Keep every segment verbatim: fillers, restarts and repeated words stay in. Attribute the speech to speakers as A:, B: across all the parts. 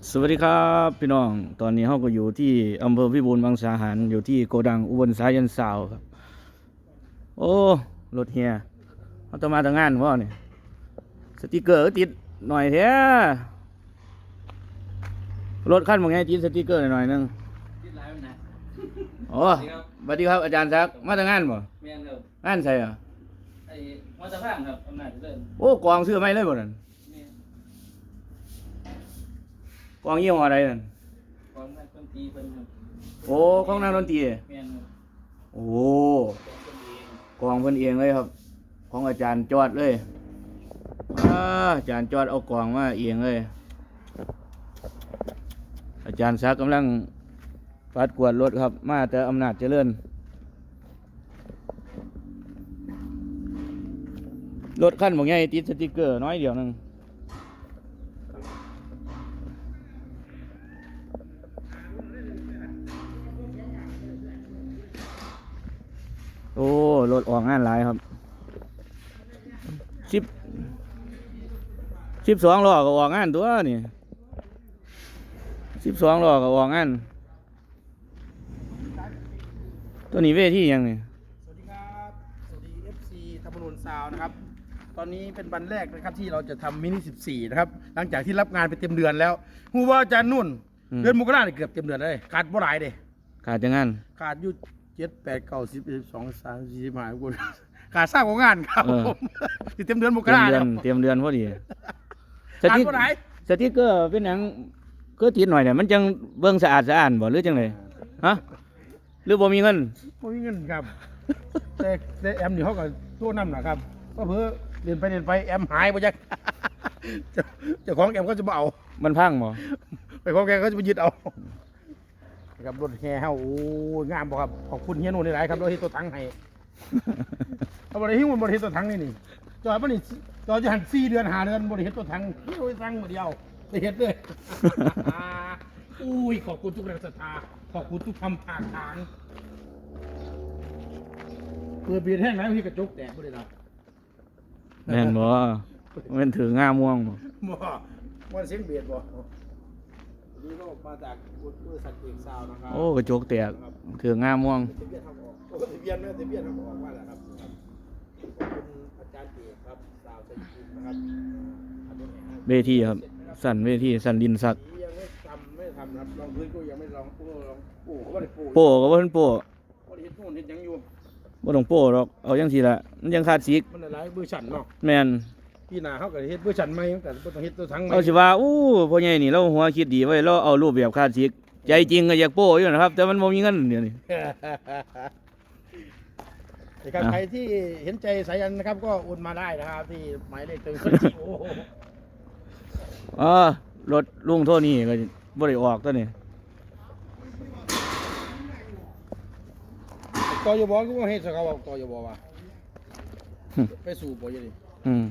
A: สวัสดีครับพี่น้องตอนนี้เราก็อยู่ที่อำเภอพิบูลมังสาหารอยู่ที่โกดังอุบลสายันสาวครับโอ้รถเฮียเขาต้องมาทำงานพ่อเนี่ยสติกเกอร์ก็ติดหน่อยแท้รถขั้นบางไงติดสติกเกอร์หน่อยนึง
B: คิดหลายมันนะ
A: โอ้สวัสดีครับอาจารย์ซักมาทำงานบ่
B: แม่นครับ
A: งานใส่อ่ะ
B: ไอ้มอเตอร์พังครับอำนาจเจริญ
A: โอ้กองซื้อไม่เลยบ่นั่น
B: แม่น
A: กองยี่ห้ออะไรนั่น
B: ของนักดนตรีเพิ่นครับ
A: โอ้ของนักดนตรี
B: แม่นครับ
A: โอ้กองเพิ่นเองเลยครับ ของอาจารย์จอดเลยอาอาจารย์จอดเอากองมาเองเลย อาจารย์ซักกำลังปัดกวาดรถครับ มาแต่อำนาจเจริญรถขั้นบางไงติดสติกเกอร์น้อยเดียวหนึงโอ้รถออกงานหลายครับสิบสิบสองล้อก็ออกงานตัวนี่สิบสองล้อก็ออกงานตัวนี้เวทียังนี่
C: สวัสดีครับ สวัสดี เอฟ ซี ธรรมนูญซาวน์นะครับ ตอนนี้เป็นวันแรกนะครับที่เราจะทำมินิสิบสี่นะครับ หลังจากที่รับงานไปเต็มเดือนแล้วฮูว่าอาจารย์นุ่น เดือนมกราเนี่ยเกือบเต็มเดือนเลยขาดบ่หลายเด้
A: ขาดจังงาน
C: ขาดอยู่เจ็ดแปดเก้าสิบสิบสองสามสี่สิบห้าคนขาดสร้างของงานครับผมที่เต็มเดือนมก
A: เตรีย
C: ราม
A: เดือ
C: แล้
A: น
C: ว
A: เตรียมเดือนพอดีส
C: ขาด
A: ติ๊ก
C: บ่หลาย
A: สติ๊กเกอร์เป็นหยังก็ติดหน่อยเนี่ยมันจังเบิ่งสะอาดสะอ้านบ่หรือจังไดฮะหรือบ่มีเงิน
C: ไม่มีเงินครับ แต่แต่แอมนี่เขาก็ตัวน้ำนะครับก็เพื่อเรียนไปเรียนไปแอมหายไปจัก เจ้าเจ้าของแอมก็จะมาเอา
A: มันพังบ่
C: ไปของแกก็จะไปยึดเอาครับรถแห่เฮาโอ้ยงามบ่ครับขอบคุณเฮียโน่นหลายๆครับเราเฮ็ดตัวถังให้ เอาบ่ได้หิ้วมันบ่ได้เฮ็ดตัวถังนี่นี่จอยมันนี่จอยจะหันสี่เดือนห้าเดือนบ่ได้เฮ็ดตัวถังเฮ็ดตัวถังบ่เดียวได้เฮ็ดเลย อุ้ยขอบคุณทุกแรงศรัทธาขอบคุณทุกคำถากถางเพื่อเบียดแห้งแล้วพี่กระจกแตกบ่ได้ดอก
A: แม่นบ่มันถือง่าม่วงบ่
C: บ่ว่าเสียงเบียดบ่นี่ก็มาจากบริษัทเอกซาวนะครับ
A: โอ้กระจกแตกถือง่าม่วง
C: ทะเบียนทางออกโอ้ทะเบียนไม่ทะเบียนทางออกว่าแหละครับขอบคุณอาจารย์เอกครับสาวชัยภูมินะครับอันนี้นะ
A: เวทีครับ สั่นเวทีสั่นดินสัก
C: ยังไม่ทำไม่ทำนะครับลองพื้นก็ยังไม่ลองโอ้ลองโอ้เขาไม่ได้โอ้
A: โป้ก็บ่เพิ่นโป้
C: เขาได้เฮ็ดโน่นเฮ็ดหยังอยู่
A: บ่ต้องโป้หรอกเอาจังซี่ล่ะมันยังขาดสีก
C: มันหลายเบอร์ชันเนาะ
A: แม่น
C: พี่นาเขาก็เฮ็ดเบอร์ชันใหม่แต่บ่ต้องเฮ็ดตัวทั้งใหม่
A: เอาสิว่าอู้พ่อใหญ่นี่เราหัวคิดดีไว้เราเอารูปแบบขาดสีกใจจริงก็อยากโป้อยู่นะครับ แต่มันบ่มีเงินเดี๋ยวนี้
C: นะครับใครที่เห็นใจสายันนะครับก็โอนมาได้นะครับที่หมายเลขตัวคนจิโอ
A: อ๋อรถลุงโทนี่ก็บ่ได้ออกตัวนี้
C: ตอยบอกก็เฮ็ดสกาวตอยบอกว่าไปสู่บ่ยังดิ
A: อืม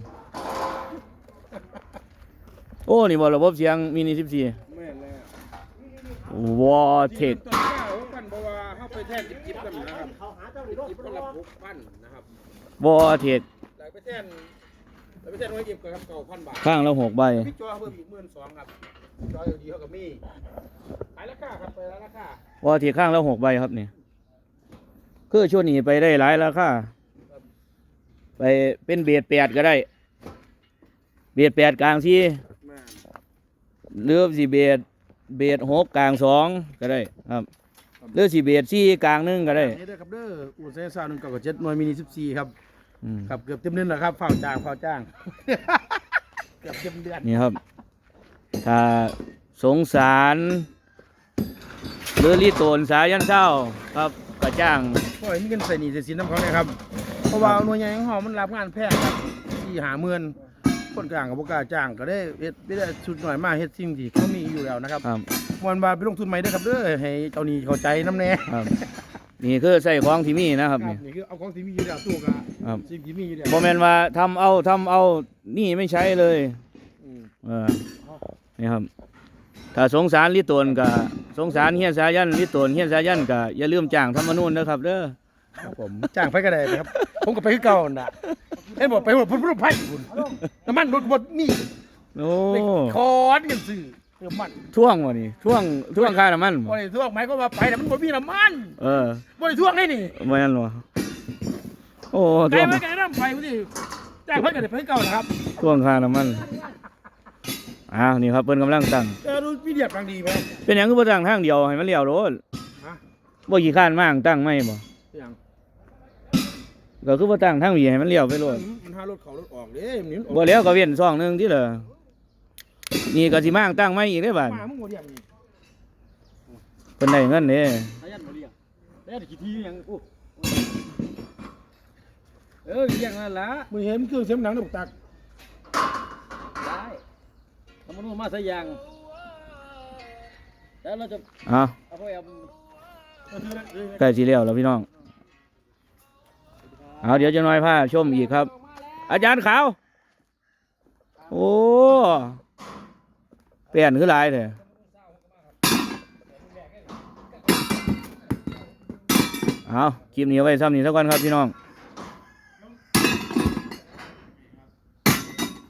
A: โอ้นี่บ่ระบบเสียงมินิสิบสี่
C: แม่นแล้ว
A: วอเทค
C: ตอนเก้าพันเพราะว่าเฮาไปแทนจิบๆกันนะครับจิบคนละหกพันนะครับ
A: วอเทค
C: แล้วไปแทนแล้วไปแทนไว้เก็บกับเก้าพันบาท
A: ข้างละหกใบ
C: พี่จอเพิ่มอีกหมื่นสองครับจอดีเขาก็มีขายราคาครับไปแล้วราคาว
A: อเทคข้างละหกใบครับนี่คือช่วงนี้ไปได้หลายราคาไปเป็นเบียดแปดก็ได้ เบียดแปดกลางสี่
C: แม่น
A: หรือสี่เบียดเบียดหกกลางสองก็ได้ครับหรือสี่เบียดสี่กลางหนึ่งก็ได้
C: นี่เด้อครับเด้ออู่เซนซ่าหนึ่งเก้าเจ็ดหน่วยมินิสิบสี่ครับ
A: อืม
C: ครับเกือบเต็มเดือนแล้วครับเฝ้าจ้างเฝ้าจ้าง เกือบเต็มเดือน
A: นี่ครับ ถ้าสงสารหรือรีโตนสายันเศร้าครับก็จ้าง
C: เพราะมีเงินใส่หนี้ใส่สินน้ำเขาเนี่ยครับเพราะว่าหน่วยงานของเขามันรับงานแพงครับที่หาเมือนคนกลางกับพวกกล้าจ้างก็ได้เฮ็ดไม่ได้ชุดหน่อยมากเฮ็ดสิ่งที่เขามีอยู่แล้วนะครับ
A: ครับ
C: มวนบาไปลงทุนใหม่เด้อครับเด้อให้เจ้าหนี้เข้าใจน้ำแน่
A: ครับ นี่คือใส่ของที่มีนะครับ
C: ครับ
A: นี่
C: นี่คือเอาของที่มีอยู่แล้วตู้กับ
A: ครับ
C: สิ่งที่มีอยู่แล้ว
A: บ่แม่นว่าทำเอาทำเอานี่ไม่ใช้เลย
C: อืม
A: เออนี่ครับ ถ้าสงสารลิโตนก็สงสารเฮียสายันลิโตนเฮียสายันก็อย่าลืมจ้างธรรมนูญนะครับเด้อ
C: ครับผมจ้างไปก็ได้นะครับ ผมก็ไปคือเก่าน่ะเห็นบอกไปหมดพุ่นพุ่นไผ่พุ่นน้ำมันรถหมดนี่
A: โอ้
C: คอนกันซื้อเติมมัน
A: ท่วงวะนี่ท่วงท่วงค่าน้ำมัน
C: บ่
A: บ่
C: ได้ท่วงไหมก็ว่าไปแต่มันบ่มีน้ำมัน
A: เออ
C: บ่ได้ท่วงได้นี่
A: ไม่นั่นวะโอ้
C: ไกล
A: ท่วง
C: ไว้ไกลน้ำไปพุ่นนี่จ้างเพิ่นก็ได้เพิ่นเก่านะครับ
A: ท่วงค่าน้ำมันอ้าวนี่ครับเพิ่นกำลังตั้ง
C: เออดูมีเดียดบางดีไหม
A: เป็นหยังคือบ่ตั้งทางเดียวให้มันเลี้ยวโลด
C: ฮะ
A: บ่ขี้ข้านมากตั้งไม่บ่
C: เป็นหยัง
A: ก็คือบ่ตั้งทางหวีให้มันเลี้ยวไปโลด
C: มันหารถเขารถออกเด้มันนี่มันออก
A: บ่แล้วก็เว้นซ่องหนึงที่เหลือนี่ก็สิมางตั้งไม่อีกได้อบาด
C: มามึงบ่เรียกนี่
A: เพิ่นได้เงินเด้
B: อายันบ่เลี้ยงแล้วกี่ทียังโอ้เออเลี้ยงนั่นล่ะ
C: มึงเห็นเครื่องเสียงหนังในบุกตัก
B: ได้ทำมันมาซะยังแล้วเราจะ
A: อ้าว
B: เอาไปเอา
A: ใกล้สิแล้วแล้วพี่น้องเอาเดี๋ยวจะน้อยพาชมอีกครับ อาจารย์ขาวโอ้เปลี่ยนคือหลายแท้เอาคลิปนี้เอาไว้ซ้ำนี้เท่ากันครับพี่น้อง